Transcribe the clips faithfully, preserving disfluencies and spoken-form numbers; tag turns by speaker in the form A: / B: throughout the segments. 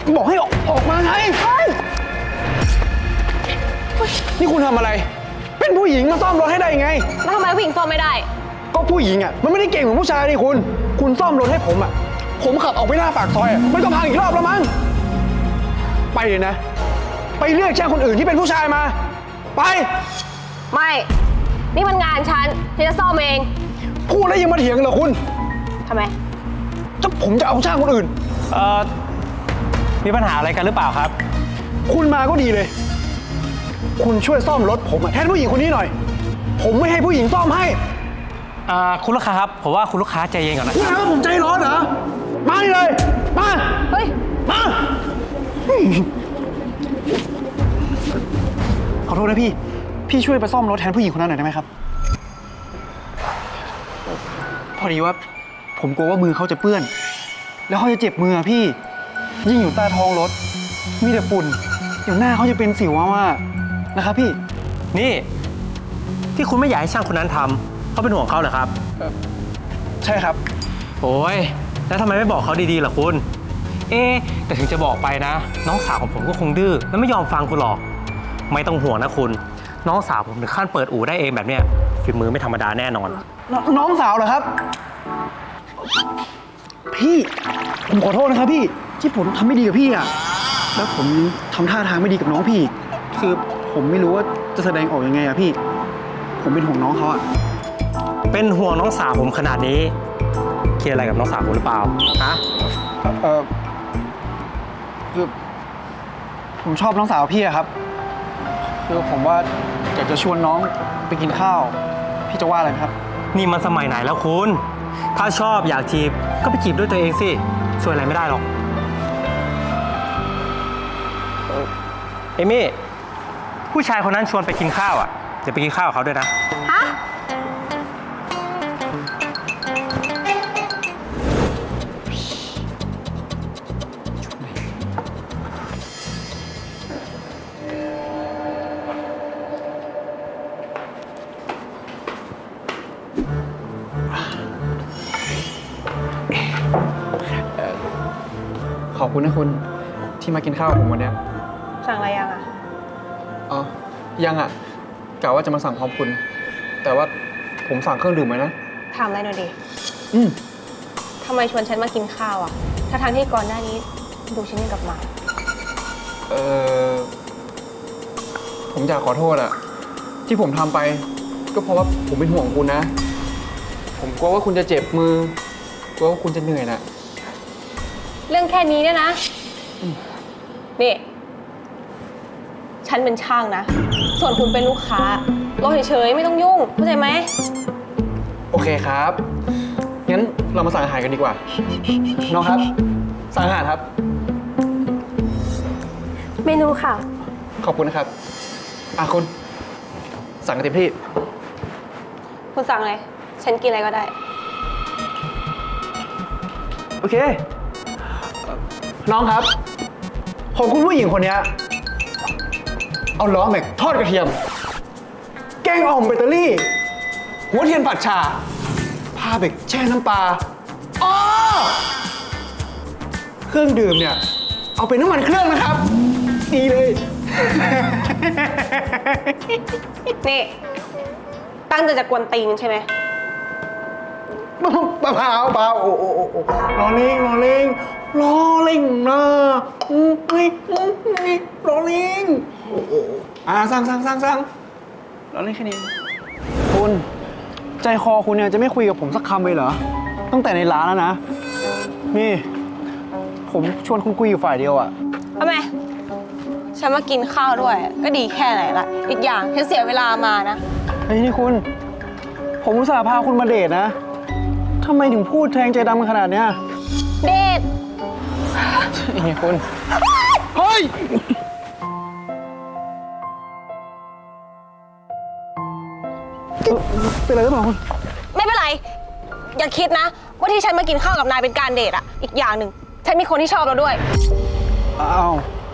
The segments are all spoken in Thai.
A: บอกให้ออกออกมาไงนี่คุณทำอะไรเป็นผู้หญิงมาซ่อมรถให้ได้ยังไง
B: แล้วทำไมผู้หญิงซ่อมไม่ได้
A: ก็ผู้หญิงอ่ะมันไม่ได้เก่งเหมือนผู้ชายนี่คุณคุณซ่อมรถให้ผมอ่ะผมขับออกไปหน้าปากซอยอ่ะมันก็พังอีกรอบแล้วมั้งไปเลยนะไปเรียกช่างคนอื่นที่เป็นผู้ชายมาไป
B: ไม่นี่มันงานฉันที่จะซ่อมเอง
A: พูดแล้วยังมาเถียงเหรอคุณ
B: ทำไม
A: จะผมจะเอาช่างคนอื่น
C: เอ่อมีปัญหาอะไรกันหรือเปล่าครับ
A: คุณมาก็ดีเลยคุณช่วยซ่อมรถผมแทนผู้หญิงคนนี้หน่อยผมไม่ให้ผู้หญิงซ่อมให้
C: อ่าคุณลูกค้าครับผมว่าคุณลูกค้าใจเย็นก่อนนะ
A: คุณว่าผมใจร้อนเหรอมาเลยมา
B: เฮ้ย
A: มาขอโทษนะพี่พี่ช่วยไปซ่อมรถแทนผู้หญิงคนนั้นหน่อยได้ไหมครับพอดีว่าผมกลัวว่ามือเขาจะเปื้อนแล้วเขาจะเจ็บมือพี่ยิ่งอยู่ใต้ท้องรถมีแต่ฝุ่นเดี๋ยวหน้าเขาจะเป็นสิวว่านะครับพี่
C: นี่ที่คุณไม่อยากให้ช่างคนนั้นทำเขาเป็นห่วงเขาเหรอครับ
A: ใช่ครับ
C: โอ้ยแล้วทำไมไม่บอกเขาดีๆล่ะคุณเอ๊แต่ถึงจะบอกไปนะน้องสาวของผมก็คงดื้อและไม่ยอมฟังคุณหรอกไม่ต้องห่วงนะคุณน้องสาวผมถึงขั้นเปิดอู่ได้เองแบบเนี้ยฝีมือไม่ธรรมดาแน่นอน
A: น้องสาวเหรอครับพี่ผมขอโทษนะครับพี่ที่ผมทำไม่ดีกับพี่อ่ะแล้วผมทำท่าทางไม่ดีกับน้องพี่คือผมไม่รู้ว่าจะแสดงออกยังไงอะพี่ผมเป็นห่วงน้องเขาอะ
C: เป็นห่วงน้องสาวผมขนาดนี้คิดอะไรกับน้องสาวผมหรือเปล่าฮะ
A: เออคือผมชอบน้องสาวพี่อะครับคือผมว่าอยากจะชวนน้องไปกินข้าวพี่จะว่าอะไรครับ
C: นี่มันสมัยไหนแล้วคุณถ้าชอบอยากจีบก็ไปจีบด้วยตัวเองสิช่วยอะไรไม่ได้หรอกเอมี่ผู้ชายคนนั้นชวนไปกินข้าวอ่ะจะไปกินข้าวกับเขาด้วยนะ
B: ฮะ
A: ขอบคุณนะคุณที่มากินข้าวกับผมวันนี้
B: สั่งอะไรยังอ่ะ
A: อ๋อยังอ่ะกะว่าจะมาสั่งพร้อมคุณแต่ว่าผมสั่งเครื่องดื่มไว้นะ
B: ถามอะไรหน่อยดิ
A: อืม
B: ทำไมชวนฉันมากินข้าวอ่ะถ้าทางที่ก่อนหน้านี้ดูฉันยังกับหมา
A: เออผมอยากขอโทษอ่ะที่ผมทำไปก็เพราะว่าผมเป็นห่วงคุณนะผมกลัวว่าคุณจะเจ็บมือกลัวว่าคุณจะเหนื่อยน่ะ
B: เรื่องแค่นี้เนี่ยนะนี่ฉันเป็นช่างนะส่วนคุณเป็นลูกค้ารอเฉยๆไม่ต้องยุ่งเข้าใจไหม
A: โอเคครับงั้นเรามาสั่งอาหารกันดีกว่าน้องครับสั่งอาหารครับ
B: เมนูค่ะ
A: ขอบคุณนะครับอ่ะคุณสั่งกันเต็มที่
B: คุณสั่งอะไรฉันกินอะไรก็ได้
A: โอเคน้องครับของคุณผู้หญิงคนนี้เอาล้อแม็กทอดกระเทียมแกงอ่อมแบตเตอรี่หัวเทียนผัดชาผ้าเบกแช่น้ำปลาอ๋อเครื่องดื่มเนี่ยเอาเป็นน้ำมันเครื่องนะครับดีเลย
B: นี่ตั้งใจจะกวนตีนใช่ไหม
A: เปล่าเปล่าเปล่าโอ้โอ้โอ้รอเล่งรอเล่งรอเล่งนะอืมไอ้รอเล่งโอ้โอ้อ่าสั่งสั่งสั่งสั่งรอเล่งแค่นี้คุณใจคอคุณเนี่ยจะไม่คุยกับผมสักคำเลยเหรอตั้งแต่ในร้านแล้วนะนี่ผมชวนคุณคุยอยู่ฝ่ายเดียวอะ
B: ทำไมฉันมากินข้าวด้วยก็ดีแค่ไหนละอีกอย่างฉันเสียเวลามานะ
A: เฮ้ยนี่คุณผมอุตส่าห์พาคุณมาเดทนะทำไมถึงพูดแทงใจดำขนาดเนี้ย
B: เดท
A: นี่คุณเฮ้ยเป็นอะไรหรือเปล่าคุณ
B: ไม่เป็นไรอย่าคิดนะว่าที่ฉันมากินข้าวกับนายเป็นการเดทอะอีกอย่างหนึ่งฉันมีคนที่ชอบเราด้วย
A: อ้าว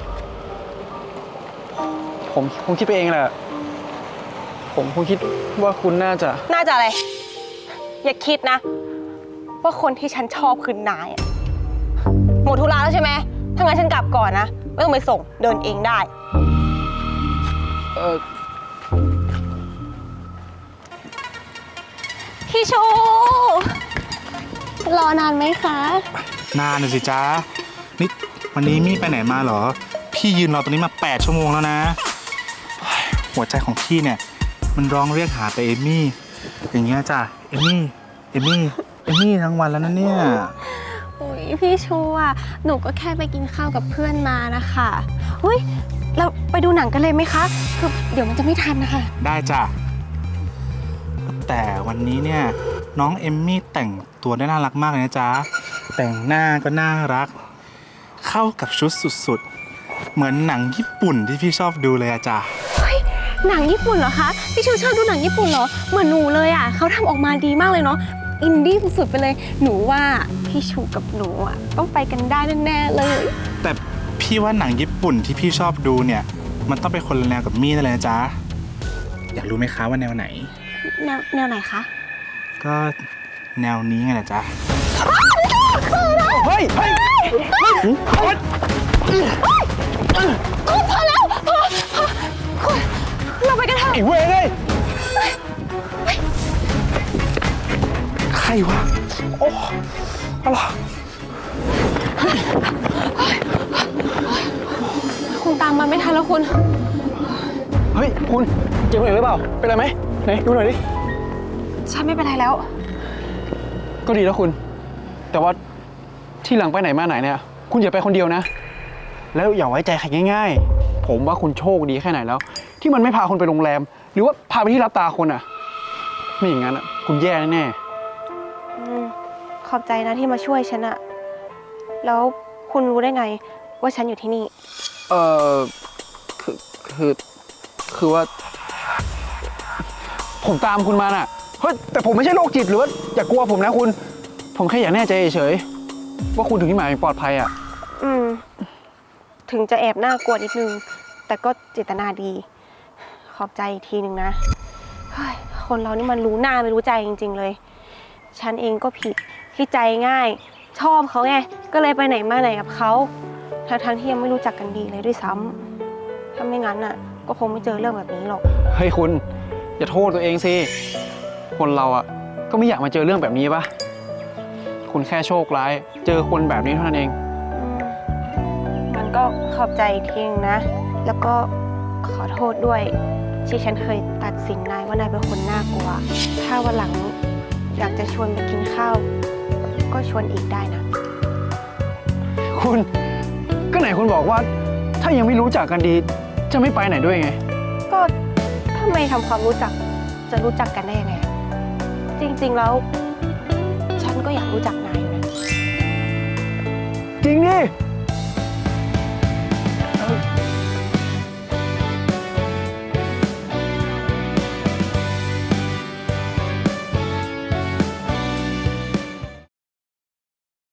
A: ผมคงคิดไปเองแหละผมคงคิดว่าคุณน่าจะ
B: น่าจะอะไรอย่าคิดนะว่าคนที่ฉันชอบคือนายอะหมดธุระแล้วใช่ไหมถ้างั้นฉันกลับก่อนนะ ไม่ต้องไปส่ง เดินเองได้
A: เออ
B: พี่ชู รอนานไหมคะ
D: นานน่ะสิจ้านี่วันนี้มี่ไปไหนมาเหรอ พี่ยืนรอตรงนี้มาแปดชั่วโมงแล้วนะเฮ้ยหัวใจของพี่เนี่ย มันร้องเรียกหาแต่เอมมี่ อย่างเงี้ยจ้ะ เอมมี่ เอมมี่ เอมมี่ทั้งวันแล้วนะเนี่ย
B: อุ้ยพี่ชูอ่ะ หนูก็แค่ไปกินข้าวกับเพื่อนมานะคะอุ้ยเราไปดูหนังกันเลยไหมคะ คือเดี๋ยวมันจะไม่ทันนะคะ
D: ได้จ้ะ แต่วันนี้เนี่ยน้องเอมมี่แต่งตัวได้น่ารักมากเลยนะจ๊ะ แต่งหน้าก็น่ารัก เข้ากับชุดสุดๆ เหมือนหนังญี่ปุ่นที่พี่ชอบดูเลยอะจ๊ะ
B: หนังญี่ปุ่นเหรอคะ พี่ชูชอบดูหนังญี่ปุ่นเหรอ เหมือนหนูเลยอ่ะเขาทำออกมาดีมากเลยเนาะ อินดี้สุดๆไปเลย หนูว่าพี่ชูกับหนูอ่ะต้องไปกันได้แน่ๆเลย
D: แต่พี่ว่าหนังญี่ปุ่นที่พี่ชอบดูเนี่ย มันต้องเป็นคนละแนวกับมี่นั่นเลยนะจ๊ะ อยากรู้ไหมคะว่าแนวไหน
B: แนวแนวไหนคะ
D: ก็แนวนี้ไงนะจ๊ะ
A: เฮ้ย เฮ้ย
B: พอแล้วพอพอคุณเราไปกันเถอะ
A: ไอ้เวรเลย ใครวะ โอ้อะไร
B: คุณตามมาไม่ทันแล้วคุณ
A: เฮ้ย คุณเจ็บหรือเปล่า เป็นไรไหมไหนดูหน่อยดิ
B: ฉันไม่เป็นไรแล้ว
A: ก็ดีแล้วคุณ แต่ว่าที่หลังไปไหนมาไหนเนี่ย คุณอย่าไปคนเดียวนะ แล้วอย่าไว้ใจใครง่ายๆ ผมว่าคุณโชคดีแค่ไหนแล้ว ที่มันไม่พาคุณไปโรงแรม หรือว่าพาไปที่รับตาคนอ่ะ ไม่อย่างนั้นอ่ะ คุณแย่แน่
B: อืมขอบใจนะที่มาช่วยฉันอะแล้วคุณรู้ได้ไงว่าฉันอยู่ที่นี่
A: ๆเออคือคือคือว่า ผมตามคุณมาน่ะเฮ้ยแต่ผมไม่ใช่โรคจิตหรือว่าอย่ากลัวผมนะคุณ ผมแค่อยากแน่ใจเฉยๆว่าคุณถึงที่หมายปลอดภัยอ่ะ
B: อืม ถึงจะแอบน่ากลัวนิดนึง แต่ก็เจตนาดี ขอบใจอีกทีหนึ่งนะเฮ้ยคนเรานี่มันรู้หน้าไม่รู้ใจจริง ๆ เลย ฉันเองก็ผิดที่ใจง่าย ชอบเขาไง ก็เลยไปไหนมาไหนกับเขาทั้งๆที่ยังไม่รู้จักกันดีเลยด้วยซ้ำถ้าไม่งั้นน่ะ ก็คงไม่เจอเรื่องแบบนี้หรอก
A: เฮ้ยคุณ อย่าโทษตัวเองสิ คนเราอ่ะก็ไม่อยากมาเจอเรื่องแบบนี้ปะคุณแค่โชคร้าย เจอคนแบบนี้เท่านั้นเอง
B: อืมมันก็ขอบใจอีกทีนึงนะ แล้วก็ขอโทษด้วย ที่ฉันเคยตัดสินนายว่านายเป็นคนน่ากลัว ถ้าวันหลังอยากจะชวนไปกินข้าว ก็ชวนอีกได้นะ
A: คุณก็ไหนคุณบอกว่า ถ้ายังไม่รู้จักกันดี จะไม่ไปไหนด้วยไง
B: ก็ถ้าไม่ทำความรู้จักจะรู้จักกันได้ยังไง จริงๆแล้ว ฉันก็อยากรู้จักนายอยู่นะ
A: จริงดิ
B: อ